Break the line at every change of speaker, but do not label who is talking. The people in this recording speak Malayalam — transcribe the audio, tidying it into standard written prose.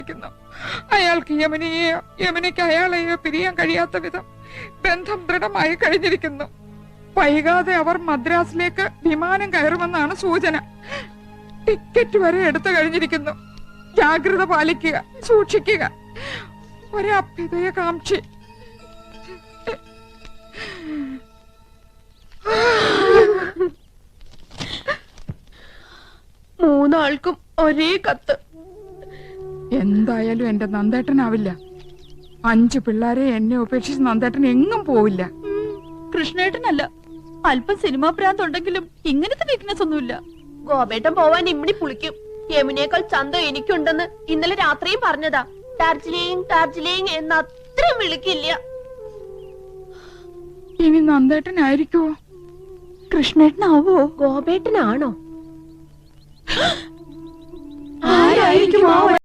അയാൾക്ക് യമുനയെയോ യമുനയ്ക്ക് അയാളെയോ പിരിയാൻ കഴിയാത്ത വിധം ബന്ധം ദൃഢമായി കഴിഞ്ഞിരിക്കുന്നു. വൈകാതെ അവർ മദ്രാസിലേക്ക് വിമാനം കയറുമെന്നാണ് സൂചന. ടിക്കറ്റ് വരെ എടുത്തു കഴിഞ്ഞിരിക്കുന്നു. ജാഗ്രത പാലിക്കുക, സൂക്ഷിക്കുക. ഒരഭ്യുദയകാംക്ഷി.
മൂന്നാൾക്കും ഒരേ കത്ത്.
എന്തായാലും എന്റെ നന്ദേട്ടനാവില്ല. 5 പിള്ളേരെ എന്നെ ഉപേക്ഷിച്ച് നന്ദേട്ടൻ എങ്ങും പോവില്ല.
കൃഷ്ണേട്ടനല്ല, അല്പം സിനിമാ ഭ്രാന്തുണ്ടെങ്കിലും ഇങ്ങനത്തെ വീക്ക്നെസ് ഒന്നുമില്ല.
ഗോപേട്ടൻ പോവാൻ ഇമ്മിണി പുളിക്കും. യമുനേക്കാൾ ചന്തം എനിക്കുണ്ടെന്ന് ഇന്നലെ രാത്രിയും പറഞ്ഞതാ. ഡാർജിലിംഗ് ഡാർജിലിംഗ് എന്ന് അത്രയും വിളിക്കില്ല.
ഇനി നന്ദേട്ടനായിരിക്കുവോ?
കൃഷ്ണേട്ടനാവോ?
ഗോപേട്ടനാണോ?
ആരായിരിക്കും?